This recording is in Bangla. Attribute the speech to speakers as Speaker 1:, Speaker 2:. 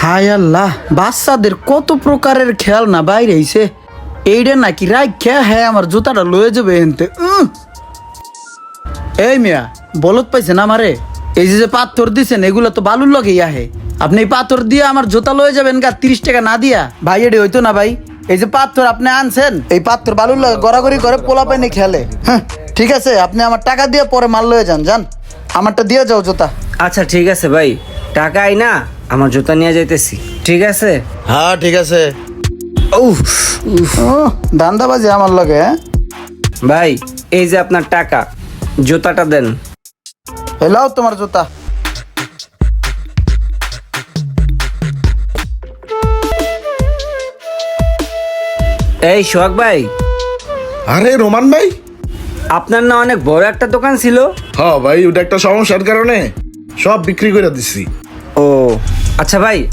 Speaker 1: হায় আল্লাহ, বাচ্চাদের কত প্রকারের খেলনা বাইরে আইছে। এইটা নাকি রাখা, হ্যাঁ আমার জুতাটা লয়ে যাবে এনতে। এই মিয়া, বলত পাইছেন আমারে? এই যে পাথর দিছেন এগুলো তো বালুর লগেই আহে। আপনি এই পাথর দিয়ে আমার জুতা লয়ে যাবেন গা 30 টাকা না দিয়া? ভাই এটি হইতো না ভাই। এই যে পাথর আপনি আনছেন, এই পাথর বালুর লগে গড়াগড়ি করে পোলা পাইনি খেলে। হ্যাঁ ঠিক আছে, আপনি আমার টাকা দিয়ে পরে মাল লয়ে যান। যান, আমারটা দিয়ে যাও জুতা।
Speaker 2: আচ্ছা ঠিক আছে ভাই, টাকাই না আমার জুতা নিয়ে যাইতেছি, ঠিক আছে?
Speaker 3: হ্যাঁ ঠিক আছে।
Speaker 2: উফ,
Speaker 1: দান্দাবাজি আমার লগে। হ্যাঁ
Speaker 2: ভাই এই যে আপনার টাকা, জুতাটা দেন।
Speaker 1: এলাও তোমার জুতা।
Speaker 2: এই সোহাগ ভাই,
Speaker 3: আরে রোমান ভাই।
Speaker 2: আপনার না অনেক বড় একটা দোকান ছিল?
Speaker 3: হ্যাঁ ভাই, ওটা একটা সমস্যার কারণে সব বিক্রি করে দিছি।
Speaker 2: ও আচ্ছা ভাই,